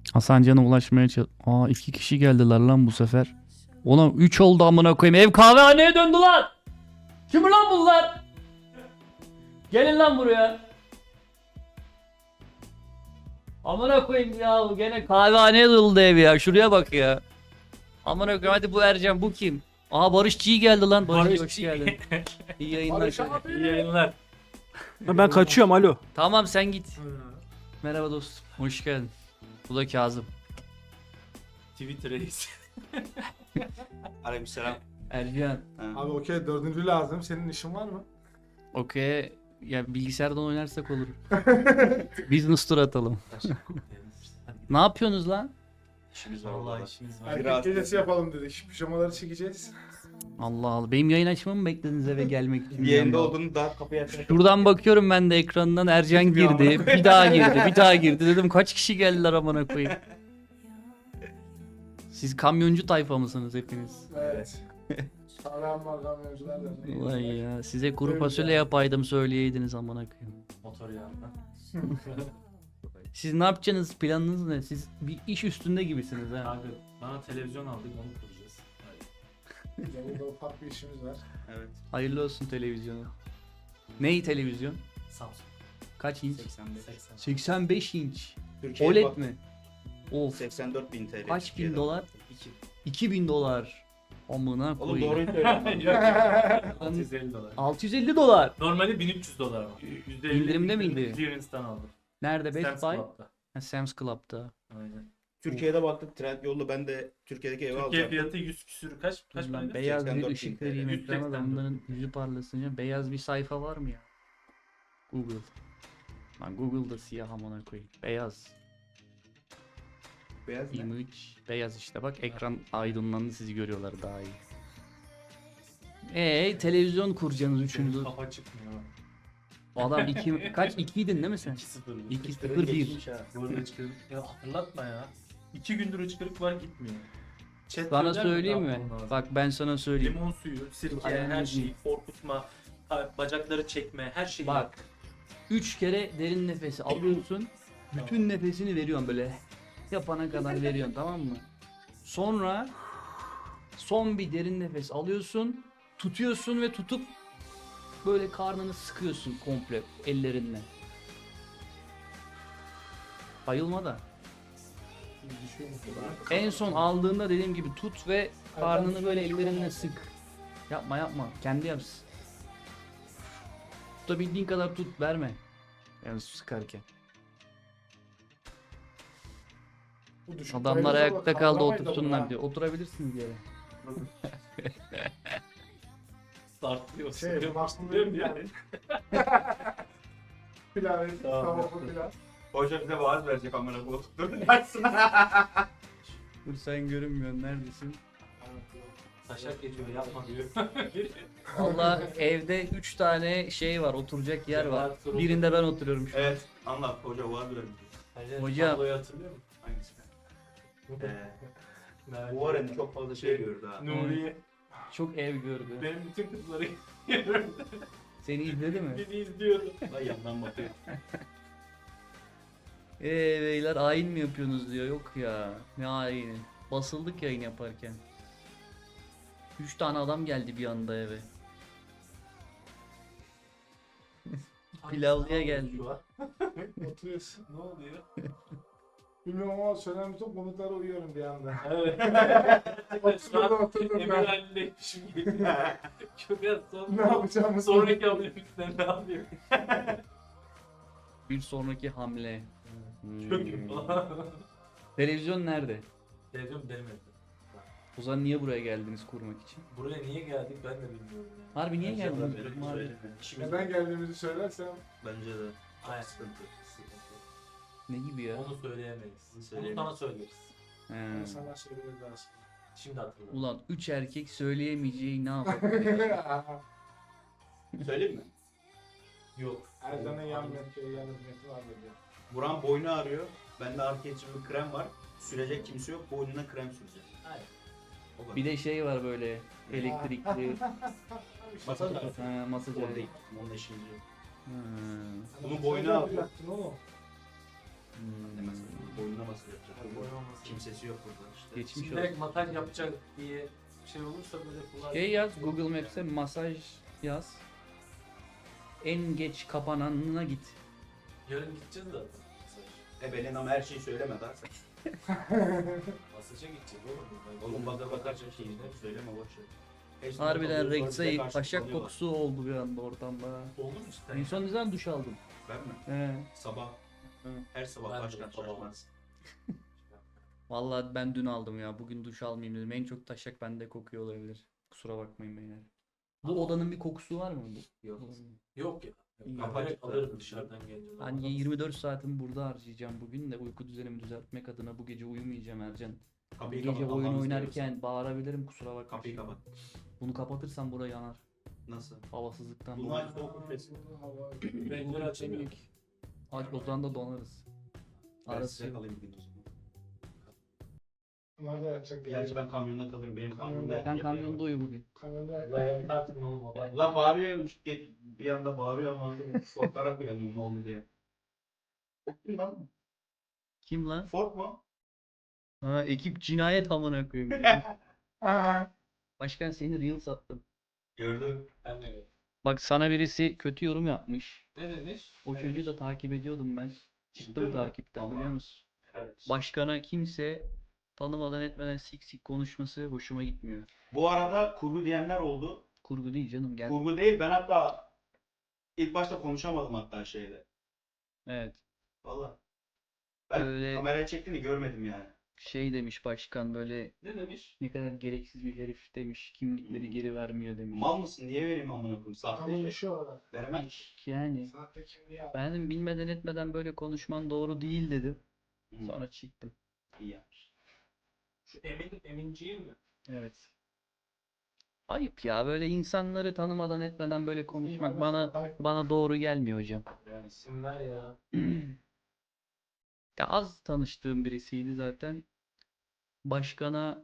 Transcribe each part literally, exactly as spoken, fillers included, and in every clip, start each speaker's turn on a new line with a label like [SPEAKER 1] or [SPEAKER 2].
[SPEAKER 1] Hasancan'a ulaşmaya çalış... Aa iki kişi geldiler lan bu sefer. Oğlum üç oldu amına koyayım. Ev kahvehaneye döndü lan. Kim lan bunlar? Gelin lan buraya. Amına koyayım ya, gene kahvehaneye döndü ev ya. Şuraya bak ya. Amına koyayım, hadi bu Ercan, bu kim? Aha Barış Çiğ geldi lan. Barış,
[SPEAKER 2] Barış
[SPEAKER 1] hoş
[SPEAKER 2] Çiğ.
[SPEAKER 1] geldin. İyi yayınlar.
[SPEAKER 2] Barış abi. İyi yayınlar.
[SPEAKER 3] Ben kaçıyorum alo.
[SPEAKER 1] Tamam sen git. Merhaba dostum. Hoş geldin. Bu da Kazım.
[SPEAKER 2] Twitter reis.
[SPEAKER 4] Aleykümselam.
[SPEAKER 1] Ercan.
[SPEAKER 5] Abi okey, dördüncü lazım. Senin işin var mı?
[SPEAKER 1] Okey. Ya bilgisayardan oynarsak olur. Business tur atalım. Ne yapıyorsunuz lan?
[SPEAKER 4] İşimiz var
[SPEAKER 2] Vallahi
[SPEAKER 4] vallahi.
[SPEAKER 2] işimiz var.
[SPEAKER 5] Erkek
[SPEAKER 4] Biraz-
[SPEAKER 5] gecesi yapalım dedik. Pijamaları çekeceğiz.
[SPEAKER 1] Allah Allah. Benim yayın açmamı mı beklediniz eve gelmek için?
[SPEAKER 4] Bir yayında olduğunu daha kapıyı açarak.
[SPEAKER 1] Şuradan bakıyorum ben de ekrandan, Ercan
[SPEAKER 4] Bilmiyorum
[SPEAKER 1] girdi.
[SPEAKER 4] amına koyayım.
[SPEAKER 1] Bir daha girdi. Bir daha girdi. Dedim kaç kişi geldiler amına koyayım. Siz kamyoncu tayfa mısınız hepiniz?
[SPEAKER 5] Evet. Sağlam var kamyoncular da.
[SPEAKER 1] Vay ya. Size kuru fasulye yapaydım söyleyeydiniz amına koyayım.
[SPEAKER 2] Motor yağından.
[SPEAKER 1] Siz ne yapacaksınız? Planınız ne? Siz bir iş üstünde gibisiniz ha.
[SPEAKER 2] Kanka bana televizyon aldık, onu kuracağız.
[SPEAKER 5] Burada ufak bir işimiz var.
[SPEAKER 4] Evet.
[SPEAKER 1] Hayırlı olsun televizyonu. Ney televizyon?
[SPEAKER 2] Samsung.
[SPEAKER 1] Kaç inç?
[SPEAKER 4] seksen beş.
[SPEAKER 2] seksen.
[SPEAKER 1] seksen beş inç.
[SPEAKER 4] Türkiye'ye
[SPEAKER 1] O L E D
[SPEAKER 4] bak-
[SPEAKER 1] mi? Of.
[SPEAKER 4] seksen dört bin T L.
[SPEAKER 1] Kaç bin
[SPEAKER 4] Türkiye'de.
[SPEAKER 1] dolar?
[SPEAKER 2] iki.
[SPEAKER 1] iki bin dolar. Amına
[SPEAKER 4] Oğlum
[SPEAKER 1] koyayım.
[SPEAKER 4] doğruyu söyle.
[SPEAKER 2] altı yüz elli dolar.
[SPEAKER 1] altı yüz elli dolar.
[SPEAKER 2] Normalde bin üç yüz dolar var. yüzde elli
[SPEAKER 1] İndirimde miydi?
[SPEAKER 2] Clearance'dan aldım.
[SPEAKER 1] Nerede? Best
[SPEAKER 2] Sam's
[SPEAKER 1] Buy?
[SPEAKER 2] Club'da.
[SPEAKER 1] Ha, Sam's Club'da.
[SPEAKER 2] Aynen.
[SPEAKER 4] Türkiye'de baktık Trendyol'da ben de Türkiye'deki evi
[SPEAKER 2] Türkiye
[SPEAKER 4] alacaktım.
[SPEAKER 2] fiyatı yüz küsür kaç? Kaç
[SPEAKER 1] Dur lan,
[SPEAKER 2] paraydı?
[SPEAKER 1] beyaz bir
[SPEAKER 4] seksen dört bin
[SPEAKER 1] ışık
[SPEAKER 4] T L.
[SPEAKER 1] vereyim
[SPEAKER 2] yüz
[SPEAKER 1] ekrana da
[SPEAKER 2] seksen dört.
[SPEAKER 1] onların yüzü parlasın canım. Beyaz bir sayfa var mı ya? Google. Lan Google'da siyah amına koyayım. Beyaz.
[SPEAKER 4] Beyaz ne?
[SPEAKER 1] Image. Beyaz işte bak, ekran aydınlandı, sizi görüyorlar daha iyi. Eee televizyon kuracaksınız üçünüzü.
[SPEAKER 2] Kafa çıkmıyor.
[SPEAKER 1] Adam iki kaç ikiydin değil mi sen?
[SPEAKER 2] iki sıfır.
[SPEAKER 1] iki
[SPEAKER 4] Sıfırı
[SPEAKER 1] sıfır bir.
[SPEAKER 4] geçmiş ha.
[SPEAKER 2] Bu arada hıçkırık. Ya hatırlatma ya. İki gündür hıçkırık var, gitmiyor. Chat
[SPEAKER 1] Sana
[SPEAKER 2] söyler mi
[SPEAKER 1] söyleyeyim
[SPEAKER 2] ne
[SPEAKER 1] mi?
[SPEAKER 2] yapmam lazım?
[SPEAKER 1] Bak ben sana söyleyeyim.
[SPEAKER 2] Limon suyu, sirke,
[SPEAKER 1] Aynen
[SPEAKER 2] her
[SPEAKER 1] öyle.
[SPEAKER 2] şeyi, korkutma, ha- bacakları çekme, her şeyi
[SPEAKER 1] Bak.
[SPEAKER 2] yap.
[SPEAKER 1] Üç kere derin nefesi alıyorsun. Bütün nefesini veriyorsun böyle. Yapana kadar veriyorsun, tamam mı? Sonra son bir derin nefes alıyorsun. Tutuyorsun ve tutup böyle karnını sıkıyorsun komple ellerinle. Bayılma da. En son aldığında dediğim gibi tut ve karnını böyle ellerinle sık. Yapma yapma. Kendi yapsın. Tutabildiğin kadar tut, verme. Yani sıkarken.
[SPEAKER 5] Bu düşük
[SPEAKER 1] Adamlar
[SPEAKER 5] bayılırsa
[SPEAKER 1] ayakta
[SPEAKER 5] bak,
[SPEAKER 1] kaldı,
[SPEAKER 5] kaldıramayız da
[SPEAKER 1] otursunlar
[SPEAKER 5] bunu
[SPEAKER 1] diyor. Oturabilirsiniz yere.
[SPEAKER 2] Startlıyor.
[SPEAKER 5] Şey,
[SPEAKER 2] Şey,
[SPEAKER 5] bastırıyorum yani. Pilav,
[SPEAKER 2] Tamam,
[SPEAKER 5] tavuklu
[SPEAKER 2] yaptım.
[SPEAKER 5] pilav.
[SPEAKER 4] Hoca bize vaaz verecek amına koyayım. Dur açsın.
[SPEAKER 1] Dur sen görünmüyorsun, neredesin?
[SPEAKER 2] Taşak geçiyor, yapma diyor.
[SPEAKER 1] Valla evde üç tane şey var, oturacak yer var.
[SPEAKER 2] Cemal Turul.
[SPEAKER 1] Birinde ben oturuyorum şu an.
[SPEAKER 4] Evet anlat hoca vaaz vermiş.
[SPEAKER 1] Hocam.
[SPEAKER 2] Tabloyu hatırlıyor musun?
[SPEAKER 4] Hangisi? Ee,
[SPEAKER 2] Merak
[SPEAKER 4] bu arada
[SPEAKER 2] etme.
[SPEAKER 4] çok fazla şey gördü ha.
[SPEAKER 2] Nuriye.
[SPEAKER 1] Çok ev gördü.
[SPEAKER 2] Benim bütün kızları görüyorum.
[SPEAKER 1] Seni izledi mi?
[SPEAKER 2] Beni izliyordu.
[SPEAKER 4] Ay yandan bakıyor.
[SPEAKER 1] Eee beyler ayin mi yapıyorsunuz diyor. Yok ya. Ne ayini? Basıldık yayın yaparken. Üç tane adam geldi bir anda eve. Pilavlıya geldi.
[SPEAKER 2] Şu an.
[SPEAKER 5] Oturuyorsun.
[SPEAKER 2] Ne oluyor?
[SPEAKER 5] Bilmiyorum ama söylemezsem konuklara uyuyorum bir anda.
[SPEAKER 2] Evet.
[SPEAKER 5] Oturdum oturdum
[SPEAKER 2] Emir
[SPEAKER 5] ben.
[SPEAKER 2] halindeymişim gibi. Çok az sonra.
[SPEAKER 5] Ne yapacağımı
[SPEAKER 2] Sonraki hamlemizden ne yapayım?
[SPEAKER 1] Bir sonraki hamle.
[SPEAKER 2] Çok
[SPEAKER 1] Hmm.
[SPEAKER 2] iyi.
[SPEAKER 1] Televizyon nerede?
[SPEAKER 2] Televizyon benim evde.
[SPEAKER 1] O zaman niye buraya geldiniz kurmak için?
[SPEAKER 2] Buraya niye geldik ben de bilmiyorum ya.
[SPEAKER 1] Harbi niye
[SPEAKER 2] Bence
[SPEAKER 1] geldiniz?
[SPEAKER 2] de
[SPEAKER 4] Söyleme,
[SPEAKER 1] Harbi.
[SPEAKER 4] söyleme. İşimiz
[SPEAKER 5] Neden geldiğimizi söylersem
[SPEAKER 4] Bence de.
[SPEAKER 2] Aynen.
[SPEAKER 4] Sıkıntı.
[SPEAKER 1] Ne gibi ya?
[SPEAKER 2] Onu söyleyemeyiz. Onu
[SPEAKER 4] Söyleyemeyiz.
[SPEAKER 2] sana söyleriz.
[SPEAKER 1] He.
[SPEAKER 5] sana söylemek lazım.
[SPEAKER 2] Şimdi hatırladım.
[SPEAKER 1] Ulan üç erkek söyleyemeyeceği ne yapar?
[SPEAKER 4] Söyleyeyim mi?
[SPEAKER 2] Yok.
[SPEAKER 5] Ercan'ın yan metri, yan hizmeti var dedi.
[SPEAKER 4] Buran boynu ağrıyor. Bende arka için bir krem var. Sürecek kimse yok. Boynuna krem süreceğim.
[SPEAKER 2] Aynen.
[SPEAKER 4] O kadar.
[SPEAKER 1] Bir de şey var böyle elektrikli
[SPEAKER 4] Masaj var.
[SPEAKER 1] ha, masaj
[SPEAKER 4] O
[SPEAKER 1] aleti.
[SPEAKER 4] değil. Onun işimiz yok.
[SPEAKER 1] Ha.
[SPEAKER 4] Bunu boynuna al.
[SPEAKER 5] Yaktın oğlum.
[SPEAKER 1] Hmm.
[SPEAKER 4] Demez. Boynuna nasıl yapacak?
[SPEAKER 2] Yani boy olmasın.
[SPEAKER 4] Kimsesi yok burada işte.
[SPEAKER 1] Geçmiş
[SPEAKER 2] Şimdi
[SPEAKER 1] olsun.
[SPEAKER 2] direkt masaj yapacak diye şey olursa böyle kolay.
[SPEAKER 1] Şey yaz Google Maps'e masaj yaz. En geç kapananına git.
[SPEAKER 2] Yarın gideceğiz zaten. Masaj.
[SPEAKER 4] E Belin ama her şeyi söyleme da.
[SPEAKER 2] Masaja gideceğiz oğlum.
[SPEAKER 4] Oğlum baka bakar çok şeyi söyleme boş ver. Hepsini
[SPEAKER 1] Harbiden
[SPEAKER 4] topluyoruz, sonra bize
[SPEAKER 1] Rex'e
[SPEAKER 4] karşı
[SPEAKER 1] taşak
[SPEAKER 4] kullanıyorlar.
[SPEAKER 1] kokusu oldu bir anda ortamda.
[SPEAKER 2] Oldu mu cidden?
[SPEAKER 1] En son ne zaman duş aldın?
[SPEAKER 4] Ben mi?
[SPEAKER 1] He.
[SPEAKER 4] Sabah.
[SPEAKER 1] Hı.
[SPEAKER 4] Her sabah
[SPEAKER 2] Ben de
[SPEAKER 4] başkan
[SPEAKER 2] sabah.
[SPEAKER 4] şaşmaz.
[SPEAKER 1] Vallahi ben dün aldım ya. Bugün duş almayayım dedim. En çok taşak bende kokuyor olabilir. Kusura bakmayın beyler. Bu odanın bir kokusu var mı? Bu?
[SPEAKER 2] Yok. Yok ya.
[SPEAKER 1] İyi.
[SPEAKER 2] Ben direkt alırım dışarıdan gelince.
[SPEAKER 1] Ben yirmi dört saatimi burada harcayacağım bugün de uyku düzenimi düzeltmek adına bu gece uyumayacağım Ercan. Bu
[SPEAKER 4] Kapıyı
[SPEAKER 1] gece
[SPEAKER 4] kapat,
[SPEAKER 1] oyun
[SPEAKER 4] Allah'ını
[SPEAKER 1] oynarken
[SPEAKER 4] seversen.
[SPEAKER 1] bağırabilirim kusura bakma.
[SPEAKER 4] Kapıyı kapat.
[SPEAKER 1] Bunu kapatırsam buraya yanar.
[SPEAKER 4] Nasıl?
[SPEAKER 1] Havasızlıktan.
[SPEAKER 4] Bunu aç soğuk üflesin.
[SPEAKER 2] Pencere açamıyor.
[SPEAKER 1] Aç o zaman da donarız.
[SPEAKER 4] Ben
[SPEAKER 1] Arası
[SPEAKER 4] size
[SPEAKER 1] yok.
[SPEAKER 4] kalayım bugün o zaman.
[SPEAKER 5] Bunlar da yapacak bir
[SPEAKER 4] Gerçi ben kamyonda kalırım. Benim kamyonda.
[SPEAKER 1] Sen kamyonda uyu bugün.
[SPEAKER 5] Kamyonda
[SPEAKER 2] Dayan tartın oğlum o.
[SPEAKER 4] Lan bağırıyor. Bir anda bağırıyor ama korkarak uyanıyorum ne oldu diye. Kim lan?
[SPEAKER 1] Kim lan?
[SPEAKER 4] Ford mu?
[SPEAKER 1] Ha ekip cinayet amına koyayım.
[SPEAKER 5] Aha.
[SPEAKER 1] Başkan seni reel sattım.
[SPEAKER 4] Gördüm.
[SPEAKER 2] Ben de.
[SPEAKER 1] Bak sana birisi kötü yorum yapmış.
[SPEAKER 2] Ne demiş?
[SPEAKER 1] O çocuğu da takip ediyordum ben. Çıktım
[SPEAKER 4] mi?
[SPEAKER 1] takipten
[SPEAKER 4] Tamam.
[SPEAKER 1] biliyor musun?
[SPEAKER 2] Evet.
[SPEAKER 1] Başkana kimse tanımadan etmeden sik sik konuşması hoşuma gitmiyor.
[SPEAKER 4] Bu arada kurgu diyenler oldu.
[SPEAKER 1] Kurgu değil canım gel.
[SPEAKER 4] Kurgu değil. Ben hatta ilk başta konuşamadım hatta şeyde.
[SPEAKER 1] Evet.
[SPEAKER 4] Valla. Ben
[SPEAKER 1] Öyle-
[SPEAKER 4] kameraya çektiğini görmedim yani.
[SPEAKER 1] Şey demiş başkan böyle
[SPEAKER 2] Ne demiş?
[SPEAKER 1] ne kadar gereksiz bir herif demiş. Kimlikleri geri vermiyor demiş.
[SPEAKER 4] Mal mısın? Niye vereyim amına koyayım? Sahte
[SPEAKER 5] Tamam
[SPEAKER 4] şey.
[SPEAKER 5] şu orada.
[SPEAKER 4] Veremem.
[SPEAKER 1] Yani
[SPEAKER 5] Sahte kimliği al.
[SPEAKER 1] ben dedim bilmeden etmeden böyle konuşman doğru değil dedim.
[SPEAKER 4] Hı.
[SPEAKER 1] Sonra çıktım.
[SPEAKER 4] İyi yapmış.
[SPEAKER 2] Şu Emin, Eminciğim mi?
[SPEAKER 1] Evet. Ayıp ya böyle insanları tanımadan etmeden böyle konuşmak bana bana doğru gelmiyor hocam.
[SPEAKER 2] Yani isim ver ya.
[SPEAKER 1] Ya az tanıştığım birisiydi zaten. Başkana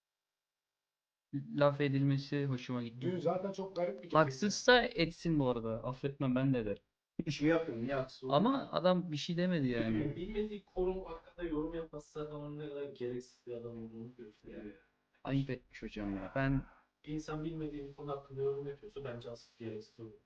[SPEAKER 1] laf edilmesi hoşuma
[SPEAKER 5] Dün
[SPEAKER 1] gitti.
[SPEAKER 5] zaten çok garip bir geceydi.
[SPEAKER 1] Haksızsa etsin bu arada. Affetmem ben de derim.
[SPEAKER 4] İşimi yapıyorum. Niye haksız olayım?
[SPEAKER 1] Ama adam bir şey demedi yani.
[SPEAKER 2] Bilmediği konum hakkında yorum yapmazsa adamın ne kadar gereksiz bir adam olduğunu gösteriyor.
[SPEAKER 1] Ayıp etmiş hocam ya. Ben
[SPEAKER 2] Bir insan bilmediği bir konu hakkında yorum yapıyorsa bence asıl gereksiz olur.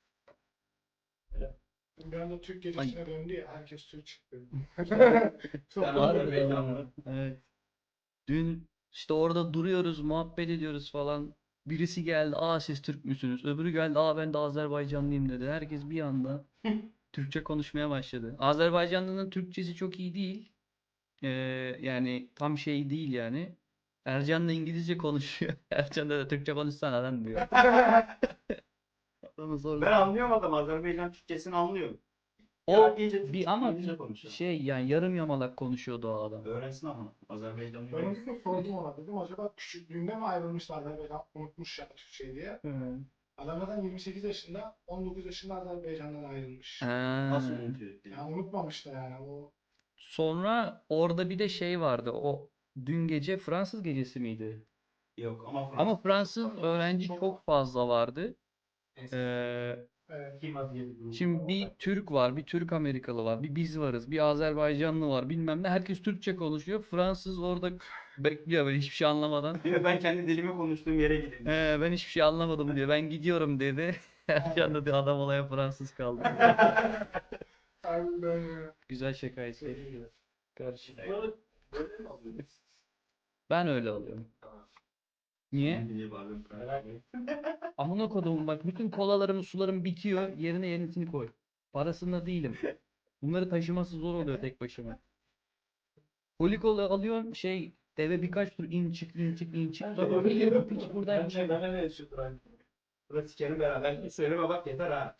[SPEAKER 5] Bir anda Türk gecesine döndü ya. Herkes Türk çıktı. Çok
[SPEAKER 4] Ben
[SPEAKER 1] var
[SPEAKER 4] Harbi
[SPEAKER 1] be ya. Evet. Dün işte orada duruyoruz, muhabbet ediyoruz falan. Birisi geldi, aa siz Türk müsünüz? Öbürü geldi, aa ben de Azerbaycanlıyım dedi. Herkes bir anda Türkçe konuşmaya başladı. Azerbaycanlı'nın Türkçesi çok iyi değil. Ee, yani tam şey değil yani. Ercan da İngilizce konuşuyor. Ercan da Türkçe konuşsana lan diyor. Adamı zorla.
[SPEAKER 4] Ben anlıyorum adam. Azerbaycan Türkçesini anlıyorum.
[SPEAKER 1] O
[SPEAKER 4] Ya iyice Türk-
[SPEAKER 1] bir ama
[SPEAKER 4] İngilizce konuşuyor.
[SPEAKER 1] şey yani yarım yamalak konuşuyordu o adam.
[SPEAKER 4] Öğrensin ama. Azerbaycanlı.
[SPEAKER 5] Ben onu sordum ona dedim acaba küçüklüğünde mi ayrılmışlar Azerbaycan unutmuş ya Türkçeyi diye. Adam zaten yirmi sekiz yaşında on dokuz yaşında Azerbaycan'dan ayrılmış.
[SPEAKER 4] Nasıl
[SPEAKER 1] Ha.
[SPEAKER 4] unutuyor?
[SPEAKER 5] Yani unutmamış da yani o.
[SPEAKER 1] Sonra orada bir de şey vardı. O dün gece Fransız gecesi miydi?
[SPEAKER 4] Yok ama Fransız.
[SPEAKER 1] Ama Fransız öğrenci çok fazla vardı. Ee,
[SPEAKER 5] Evet.
[SPEAKER 2] Kima diye bir grup
[SPEAKER 1] şimdi
[SPEAKER 2] var.
[SPEAKER 1] bir Türk var, bir Türk Amerikalı var, bir biz varız, bir Azerbaycanlı var, bilmem ne. Herkes Türkçe konuşuyor. Fransız orada bekliyor böyle hiçbir şey anlamadan.
[SPEAKER 4] Diyor, ben kendi dilimi konuştuğum yere gideyim.
[SPEAKER 1] Ee, ben hiçbir şey anlamadım diyor. Ben gidiyorum dedi. Ercan da diyor, adam olaya Fransız kaldı.
[SPEAKER 5] Harbiden ya.
[SPEAKER 1] Güzel şakaydı. Karşı.
[SPEAKER 2] Böyle, böyle mi alıyorsunuz?
[SPEAKER 1] Ben öyle alıyorum. Niye?
[SPEAKER 4] Diye bağırıyorum.
[SPEAKER 2] Merak ettim.
[SPEAKER 1] Amına koduğum bak bütün kolalarım sularım bitiyor yerine yenisini koy. Parasında değilim. Bunları taşıması zor oluyor tek başıma. Koli kola alıyorum şey deve birkaç tur in çık in çık in çık. Sonra bir piç
[SPEAKER 2] Ben
[SPEAKER 1] buradaymış.
[SPEAKER 2] de ben de yaşıyordur aynı.
[SPEAKER 4] Burada sikerim beraber. Söyleme bak yeter ha.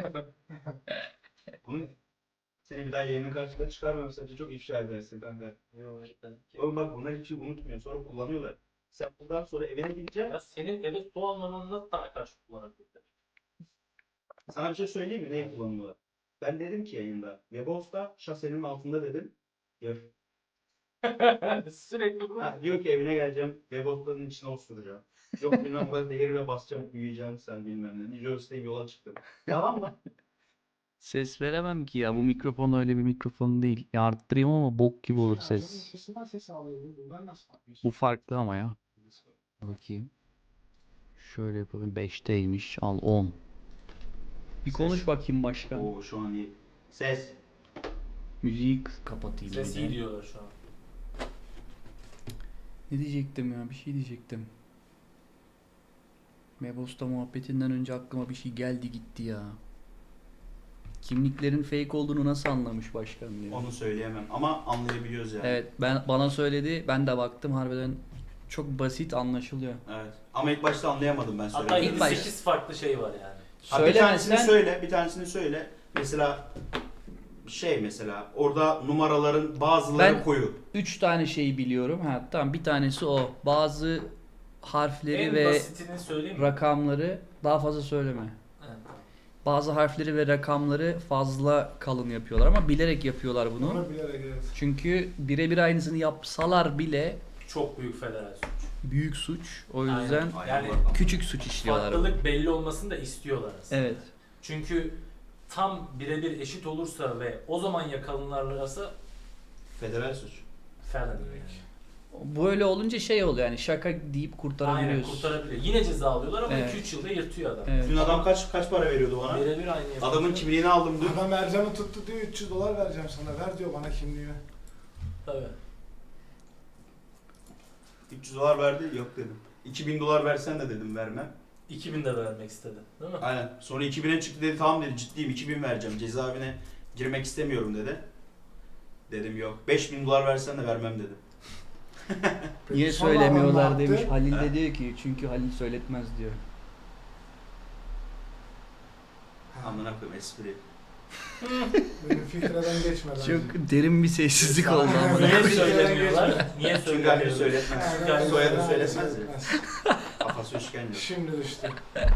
[SPEAKER 4] Bunu seni bir daha yayının karşısında çıkarmıyorum. Sadece çok ifşa edersin kanka.
[SPEAKER 2] Yok cidden.
[SPEAKER 4] Oğlum bak bunlar hiç şey unutmuyor. Sonra kullanıyorlar. Sen bundan sonra evine gideceksin.
[SPEAKER 2] Ya senin eve su almanın nasıl daha karşı kullanabilirler?
[SPEAKER 4] Sana bir şey söyleyeyim mi? Neyi kullanıyorlar? Ben dedim ki yayında. Webos'ta şasenin altında dedim. Gör.
[SPEAKER 2] Sürekli bu.
[SPEAKER 4] Ha, diyor ki evine geleceğim. Webos'ların içine osuracağım. Yok bilmem böyle değeri ve basacağım. Büyüyeceğim sen bilmem ne. New Jersey'de yola çıktım. Yalan mı?
[SPEAKER 1] Ses veremem ki ya. Bu mikrofon öyle bir mikrofon değil. Ya arttırayım ama bok gibi olur
[SPEAKER 5] Şarjın
[SPEAKER 1] ses.
[SPEAKER 5] arkasından ses alıyor. Bundan nasıl yapıyorsun?
[SPEAKER 1] Bu farklı ama ya. Bakayım. Şöyle yapalım. beşteymiş. Al on. Bir konuş bakayım başka.
[SPEAKER 4] Oo şu an iyi. Ses.
[SPEAKER 1] Müziği kıs- kapatayım.
[SPEAKER 2] Ses
[SPEAKER 1] bir de.
[SPEAKER 2] iyi diyorlar şu an.
[SPEAKER 1] Ne diyecektim ya? Bir şey diyecektim. Mebosta muhabbetinden önce aklıma bir şey geldi gitti ya. Kimliklerin fake olduğunu nasıl anlamış başkan diye.
[SPEAKER 4] Onu söyleyemem ama anlayabiliyoruz yani.
[SPEAKER 1] Evet, ben bana söyledi. Ben de baktım, harbiden çok basit anlaşılıyor.
[SPEAKER 4] Evet. Ama ilk başta anlayamadım ben
[SPEAKER 2] Hatta
[SPEAKER 4] söylemedim.
[SPEAKER 1] ilk
[SPEAKER 2] yedi
[SPEAKER 1] baş-
[SPEAKER 2] sekiz farklı şey var yani.
[SPEAKER 4] Ha, bir tanesini
[SPEAKER 1] Söylemesen
[SPEAKER 4] söyle, bir tanesini söyle. Mesela şey mesela orada numaraların bazıları
[SPEAKER 1] Ben-
[SPEAKER 4] koyu.
[SPEAKER 1] üç tane şeyi biliyorum. Ha tamam, bir tanesi o. Bazı harfleri
[SPEAKER 2] En
[SPEAKER 1] ve
[SPEAKER 2] basitini söyleyeyim mi?
[SPEAKER 1] rakamları daha fazla söyleme.
[SPEAKER 2] Evet.
[SPEAKER 1] Bazı harfleri ve rakamları fazla kalın yapıyorlar ama bilerek yapıyorlar bunu.
[SPEAKER 5] Onu bilerek evet.
[SPEAKER 1] Çünkü birebir aynısını yapsalar bile
[SPEAKER 2] Çok büyük federal suç.
[SPEAKER 1] büyük suç. O
[SPEAKER 2] Aynen.
[SPEAKER 1] yüzden
[SPEAKER 4] Aynen
[SPEAKER 2] Yani
[SPEAKER 4] bakalım.
[SPEAKER 1] küçük suç işliyorlar.
[SPEAKER 2] Farklılık belli olmasını da istiyorlar aslında.
[SPEAKER 1] Evet.
[SPEAKER 2] Çünkü tam birebir eşit olursa ve o zaman yakalanırlarsa
[SPEAKER 4] Federal suç.
[SPEAKER 2] felony demek.
[SPEAKER 1] Böyle olunca şey oluyor yani, şaka deyip
[SPEAKER 2] Aynen
[SPEAKER 1] kurtarabiliyorsun.
[SPEAKER 2] kurtarabiliyor. Yine ceza alıyorlar ama
[SPEAKER 1] Evet.
[SPEAKER 2] iki üç yılda yırtıyor adam.
[SPEAKER 1] Evet.
[SPEAKER 4] Dün adam kaç kaç para veriyordu bana?
[SPEAKER 2] Birebir aynı yapıyor.
[SPEAKER 4] Adamın kimliğini aldım dün.
[SPEAKER 5] Adam Ercan'ı tuttu diyor üç yüz dolar vereceğim sana. Ver diyor bana kimliğini.
[SPEAKER 2] Tabii.
[SPEAKER 4] üç yüz dolar verdi, yok dedim. iki bin dolar versen de dedim vermem.
[SPEAKER 2] iki bin de vermek istedi. Değil mi?
[SPEAKER 4] Aynen. Sonra iki bine çıktı dedi, tamam dedi, ciddiyim iki bin vereceğim. Cezaevine girmek istemiyorum dedi. Dedim yok. beş bin dolar versen de vermem dedim.
[SPEAKER 5] Peki
[SPEAKER 1] Niye
[SPEAKER 5] sonra adam
[SPEAKER 1] söylemiyorlar
[SPEAKER 5] ne
[SPEAKER 1] demiş.
[SPEAKER 5] yaptı?
[SPEAKER 1] Halil
[SPEAKER 4] Ha?
[SPEAKER 1] de diyor ki çünkü Halil söyletmez diyor.
[SPEAKER 4] Amına koyayım espri.
[SPEAKER 5] Benim filtreden geçmeden.
[SPEAKER 1] Çok derin bir sessizlik oldu ama.
[SPEAKER 2] Niye
[SPEAKER 5] Evet.
[SPEAKER 2] söylemiyorlar? Niye
[SPEAKER 4] Çünkü Halil
[SPEAKER 2] söylemiyorlar?
[SPEAKER 4] söyletmez.
[SPEAKER 5] Yani
[SPEAKER 4] Soyadı
[SPEAKER 5] ben-
[SPEAKER 4] söyletmez ya.
[SPEAKER 5] söyletmez.
[SPEAKER 4] Kafası işkence.
[SPEAKER 5] Şimdi düştü.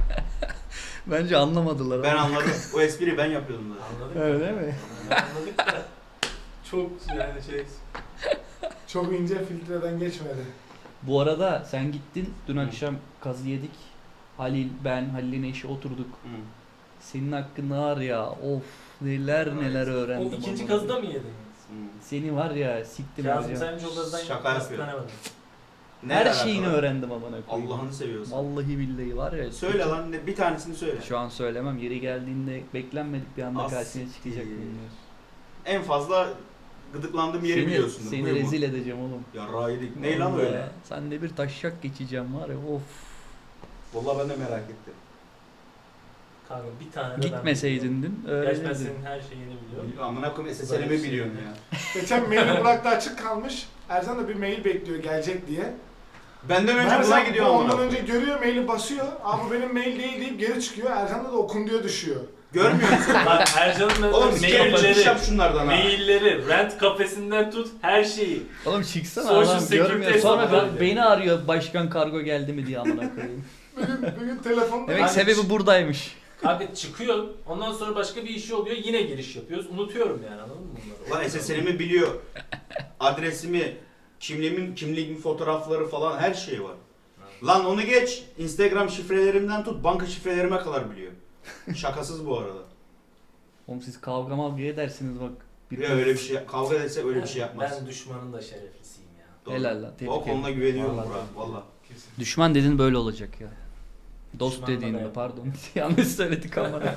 [SPEAKER 1] Bence anlamadılar.
[SPEAKER 4] Ben
[SPEAKER 1] ama.
[SPEAKER 4] anladım. O espriyi ben yapıyordum zaten.
[SPEAKER 2] Anladık mı?
[SPEAKER 1] Öyle mi?
[SPEAKER 2] Anladık da çok yani şey
[SPEAKER 5] Çok ince filtreden geçmedi.
[SPEAKER 1] Bu arada sen gittin dün
[SPEAKER 4] Hı.
[SPEAKER 1] akşam kazı yedik. Halil, ben, Halil'in eşi oturduk.
[SPEAKER 4] Hı.
[SPEAKER 1] Senin hakkında var ya, of neler neler
[SPEAKER 2] o
[SPEAKER 1] öğrendim.
[SPEAKER 2] ikinci
[SPEAKER 1] ama.
[SPEAKER 2] kazıda mı yedin?
[SPEAKER 4] Hı.
[SPEAKER 1] Seni var ya siktim
[SPEAKER 2] Kazım
[SPEAKER 1] ya.
[SPEAKER 2] sen hiç o kazıdan
[SPEAKER 4] Şaka
[SPEAKER 2] nasıl
[SPEAKER 4] yapıyor.
[SPEAKER 2] tanımadın?
[SPEAKER 4] Ne
[SPEAKER 1] Her
[SPEAKER 4] alaka
[SPEAKER 1] şeyini
[SPEAKER 4] lan?
[SPEAKER 1] öğrendim amına koyayım.
[SPEAKER 4] Allah'ını seviyorsan.
[SPEAKER 1] Vallahi billahi var ya.
[SPEAKER 4] Söyle lan ne- bir tanesini söyle.
[SPEAKER 1] Şu an söylemem. Yeri geldiğinde beklenmedik bir anda
[SPEAKER 4] As-
[SPEAKER 1] karşına çıkacak
[SPEAKER 4] iyi.
[SPEAKER 1] bilmiyoruz.
[SPEAKER 4] En fazla gıdıklandığım yeri
[SPEAKER 1] Seni,
[SPEAKER 4] biliyorsun.
[SPEAKER 1] seni
[SPEAKER 4] Buyur mu?
[SPEAKER 1] rezil edeceğim oğlum.
[SPEAKER 4] Ya raydik. Ne lan
[SPEAKER 1] Vallahi
[SPEAKER 4] öyle?
[SPEAKER 1] Sen de bir taşak geçeceğim var ya, of.
[SPEAKER 4] Vallahi ben de merak ettim.
[SPEAKER 2] Kanka bir tane de
[SPEAKER 1] Gitmeseydin dün
[SPEAKER 2] ben Gerçi ben
[SPEAKER 1] öğrenirdin.
[SPEAKER 2] senin her şeyini biliyorum.
[SPEAKER 4] Amına koyayım S S
[SPEAKER 2] Böyle
[SPEAKER 4] L'mi
[SPEAKER 2] bir şey
[SPEAKER 4] biliyorum
[SPEAKER 2] yok.
[SPEAKER 4] ya.
[SPEAKER 5] Geçen maili Burak'ta açık kalmış. Ercan da bir mail bekliyor gelecek diye.
[SPEAKER 4] Benden önce
[SPEAKER 5] Ercan
[SPEAKER 4] buna gidiyor
[SPEAKER 5] bu
[SPEAKER 4] amına
[SPEAKER 5] ondan
[SPEAKER 4] koyayım.
[SPEAKER 5] önce görüyor maili basıyor. Abi bu benim mail değil deyip geri çıkıyor. Ercan'da da okun diyor düşüyor.
[SPEAKER 4] Görmüyor musun?
[SPEAKER 2] Bak Ercan'ın
[SPEAKER 4] Oğlum sikerim iş
[SPEAKER 2] mailleri,
[SPEAKER 4] yap şunlardan ha.
[SPEAKER 2] mailleri, rent kafesinden tut her şeyi.
[SPEAKER 1] Oğlum çıksana
[SPEAKER 2] Social
[SPEAKER 1] adam
[SPEAKER 2] security
[SPEAKER 1] görmüyor. Sonra
[SPEAKER 2] hesabı.
[SPEAKER 1] ben- beni arıyor, başkan kargo geldi mi diye amına koyayım.
[SPEAKER 5] Bugün, bugün telefonda...
[SPEAKER 1] Demek
[SPEAKER 2] Hani-
[SPEAKER 1] sebebi buradaymış.
[SPEAKER 2] Kanka çıkıyor, ondan sonra başka bir işi oluyor, yine giriş yapıyoruz. Unutuyorum yani, anladın mı bunları?
[SPEAKER 4] Lan S S L'mi biliyor. Adresimi, kimliğimin, kimliğimin fotoğrafları falan her şey var. Lan onu geç. Instagram şifrelerimden tut banka şifrelerime kadar biliyor. Şakasız bu arada.
[SPEAKER 1] Oğlum siz kavga mavga edersiniz bak.
[SPEAKER 4] Ya öyle bir şey kavga etse öyle bir şey yapmaz.
[SPEAKER 2] Ben düşmanın da şereflisiyim ya.
[SPEAKER 4] Doğru.
[SPEAKER 1] Helal lan, tebrik
[SPEAKER 4] O konuda
[SPEAKER 1] ederim.
[SPEAKER 4] güveniyorum
[SPEAKER 1] Vallahi
[SPEAKER 4] Burak.
[SPEAKER 1] tebrik
[SPEAKER 4] Valla.
[SPEAKER 1] Düşman dedin böyle olacak ya. Dost
[SPEAKER 2] Düşmanla
[SPEAKER 1] dediğinde
[SPEAKER 2] da-
[SPEAKER 1] pardon. Yanlış söyledik amına.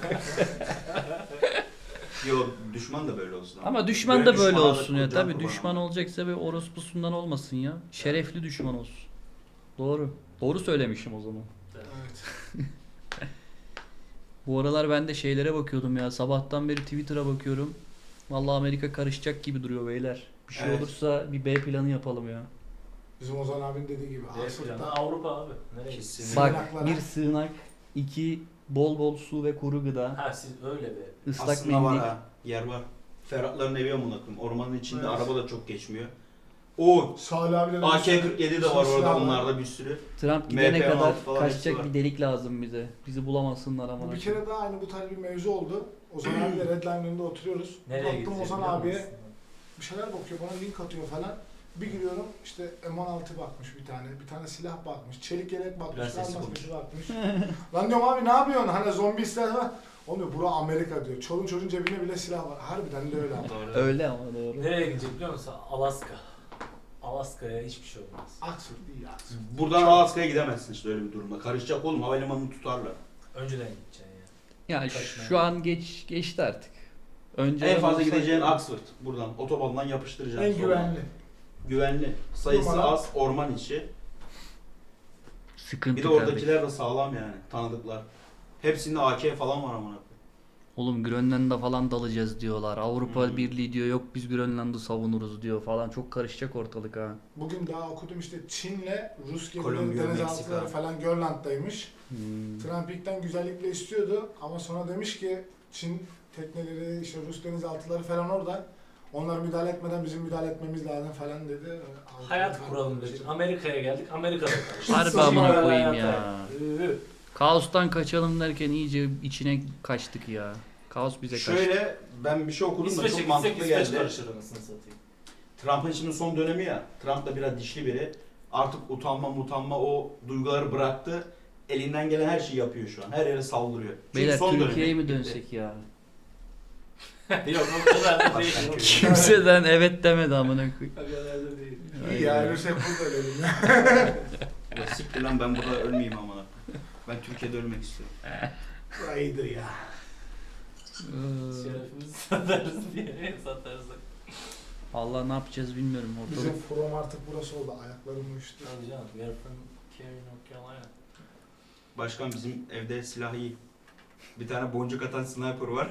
[SPEAKER 4] Yo düşman da böyle olsun.
[SPEAKER 1] Ama düşman da böyle
[SPEAKER 4] düşmana da
[SPEAKER 1] olsun ya.
[SPEAKER 4] can
[SPEAKER 1] Tabii
[SPEAKER 4] kurban
[SPEAKER 1] düşman
[SPEAKER 4] ama.
[SPEAKER 1] olacaksa bir orospusundan olmasın ya. Şerefli düşman olsun. Doğru. Doğru söylemişim o zaman.
[SPEAKER 5] Evet.
[SPEAKER 1] Bu aralar ben de şeylere bakıyordum ya. Sabahtan beri Twitter'a bakıyorum. Vallahi Amerika karışacak gibi duruyor beyler. Bir şey
[SPEAKER 4] Evet.
[SPEAKER 1] olursa bir B planı yapalım ya.
[SPEAKER 5] Bizim Ozan abinin dediği gibi.
[SPEAKER 2] D planı
[SPEAKER 5] Asır'da
[SPEAKER 2] Avrupa abi. Nereye
[SPEAKER 4] Kesin.
[SPEAKER 1] Bak,
[SPEAKER 5] Sığınaklara.
[SPEAKER 1] bir sığınak, iki bol bol su ve kuru gıda,
[SPEAKER 2] Ha siz öyle bir.
[SPEAKER 1] ıslak
[SPEAKER 4] Aslında
[SPEAKER 1] mendil.
[SPEAKER 4] var ha. Yer var. Ferhatların evi amına koyayım. Ormanın içinde
[SPEAKER 5] Evet.
[SPEAKER 4] araba da çok geçmiyor. O
[SPEAKER 5] Salih abi de...
[SPEAKER 4] A K kırk yedi de var
[SPEAKER 5] Silah
[SPEAKER 4] orada
[SPEAKER 5] var.
[SPEAKER 4] onlarda bir sürü.
[SPEAKER 1] Trump
[SPEAKER 4] M
[SPEAKER 1] gidene
[SPEAKER 4] P on altı
[SPEAKER 1] kadar
[SPEAKER 4] falan
[SPEAKER 1] kaçacak
[SPEAKER 4] hepsi var.
[SPEAKER 1] bir delik lazım bize. Bizi bulamasınlar ama.
[SPEAKER 5] Bu bir kere daha aynı bu tarz bir mevzu oldu. Ozan abiyle Redline önünde oturuyoruz.
[SPEAKER 2] Nereye
[SPEAKER 5] Baktım
[SPEAKER 2] gidecek
[SPEAKER 5] Ozan
[SPEAKER 2] biliyor
[SPEAKER 5] abiye
[SPEAKER 2] musun?
[SPEAKER 5] bir şeyler bakıyor bana link atıyor falan. Bir giriyorum işte M on altı bakmış bir tane, bir tane silah bakmış, çelik yelek bakmış,
[SPEAKER 2] Biraz sesi
[SPEAKER 5] gaz maskesi bakmış. Lan diyorum abi ne yapıyorsun? Hani zombi ister var. Oğlum diyor, bura Amerika diyor. Çolun çocuğun cebinde bile silah var. Harbiden de öyle ama.
[SPEAKER 1] Öyle ama doğru.
[SPEAKER 2] Nereye gidecek biliyor musun? Alaska. Alaska'ya hiçbir şey olmaz.
[SPEAKER 5] Aksur değil Aksur.
[SPEAKER 4] Buradan Alaska'ya gidemezsin işte öyle bir durumda. Karışacak oğlum, havalimanını tutarlar.
[SPEAKER 2] Önceden gideceksin ya.
[SPEAKER 1] Ya
[SPEAKER 2] Kaçmaya.
[SPEAKER 1] şu an geç geçti artık. Önce
[SPEAKER 4] En fazla gideceğin Oxford. Buradan otobandan yapıştıracaksın.
[SPEAKER 5] En
[SPEAKER 4] sonra.
[SPEAKER 5] güvenli.
[SPEAKER 4] Güvenli. Sayısı
[SPEAKER 5] Numara.
[SPEAKER 4] az, orman içi.
[SPEAKER 1] sıkıntı
[SPEAKER 4] Bir de
[SPEAKER 1] kardeşim.
[SPEAKER 4] oradakiler de sağlam yani, tanıdıklar. Hepsinde A K falan var amına.
[SPEAKER 1] Oğlum Grönland'a falan dalacağız diyorlar. Avrupa
[SPEAKER 4] Hmm.
[SPEAKER 1] Birliği diyor yok biz Grönland'ı savunuruz diyor falan. Çok karışacak ortalık ha.
[SPEAKER 5] Bugün daha okudum işte Çin'le Rus
[SPEAKER 4] Kolombiya,
[SPEAKER 5] gemileri denizaltıları
[SPEAKER 4] Meksika.
[SPEAKER 5] falan Grönland'daymış.
[SPEAKER 1] Hmm.
[SPEAKER 5] Trump ilkten güzellikle istiyordu ama sonra demiş ki Çin tekneleri işte Rus denizaltıları falan orada. Onlar müdahale etmeden bizim müdahale etmemiz lazım falan dedi.
[SPEAKER 2] Hayat kuralım dedik. Amerika'ya geldik. Amerika'da karıştık.
[SPEAKER 1] Harbi
[SPEAKER 5] Saçma
[SPEAKER 1] amına
[SPEAKER 2] Böyle
[SPEAKER 1] koyayım
[SPEAKER 2] hayata.
[SPEAKER 1] ya.
[SPEAKER 2] Üü.
[SPEAKER 1] Kaostan kaçalım derken iyice içine kaçtık ya. Kaos bize kaçtı.
[SPEAKER 4] Şöyle ben bir şey okudum da
[SPEAKER 2] İsveç'e
[SPEAKER 4] çok
[SPEAKER 2] gitsek
[SPEAKER 4] mantıklı
[SPEAKER 2] İsveç
[SPEAKER 4] geldi.
[SPEAKER 2] karışır anasını satayım.
[SPEAKER 4] Trump'ın şimdi son dönemi ya. Trump da biraz dişli biri. Artık utanma mutanma o duyguları bıraktı. Elinden gelen her şeyi yapıyor şu an. Her yere saldırıyor. Çünkü
[SPEAKER 1] Beyler
[SPEAKER 4] son
[SPEAKER 1] Türkiye'ye
[SPEAKER 4] dönemi
[SPEAKER 1] mi
[SPEAKER 4] bitti.
[SPEAKER 1] dönsek ya?
[SPEAKER 2] Yok o kadar da değil.
[SPEAKER 4] Başka
[SPEAKER 2] O
[SPEAKER 4] bir şey.
[SPEAKER 1] Kimseden evet demedi amına koyayım.
[SPEAKER 2] kadar da değil.
[SPEAKER 5] İyi ya Rus hep burada dedim ya.
[SPEAKER 4] Ya siktir lan, ben burada ölmeyeyim amına. Ben Türkiye'de ölmek istiyorum.
[SPEAKER 5] Burası iyidir ya.
[SPEAKER 1] Ee,
[SPEAKER 2] Şerefimizi satarız diye satarız.
[SPEAKER 1] Allah ne yapacağız bilmiyorum
[SPEAKER 5] Bizim
[SPEAKER 1] ortalık.
[SPEAKER 5] from artık burası oldu. Ayaklarım uyuştu.
[SPEAKER 2] Tabii canım. We are from Cary, North Carolina.
[SPEAKER 4] Başkan bizim evde silah iyi. Bir tane boncuk atan sniper var.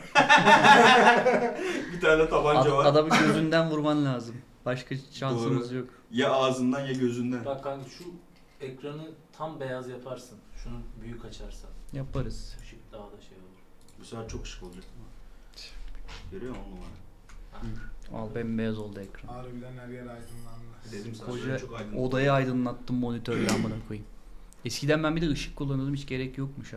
[SPEAKER 4] Bir tane tabanca
[SPEAKER 1] Ad-
[SPEAKER 4] var.
[SPEAKER 1] adamı gözünden vurman lazım. Başka şansımız
[SPEAKER 4] Doğru.
[SPEAKER 1] yok.
[SPEAKER 4] Ya ağzından ya gözünden.
[SPEAKER 2] Bak kanka şu ekranı tam beyaz yaparsın. Şunu büyük açarsan.
[SPEAKER 1] Yaparız.
[SPEAKER 2] Işık daha da şey olur.
[SPEAKER 4] Bu sefer çok şık olacak ama. Görüyor musun on numara?
[SPEAKER 1] Al bembeyaz oldu ekran.
[SPEAKER 5] Harbiden her yer aydınlandı.
[SPEAKER 4] Dedim sana
[SPEAKER 1] Koca
[SPEAKER 4] şöyle çok aydın.
[SPEAKER 1] odayı aydınlattım monitörle amına koyayım. Eskiden ben bir de ışık kullanıyordum, hiç gerek yokmuş ha.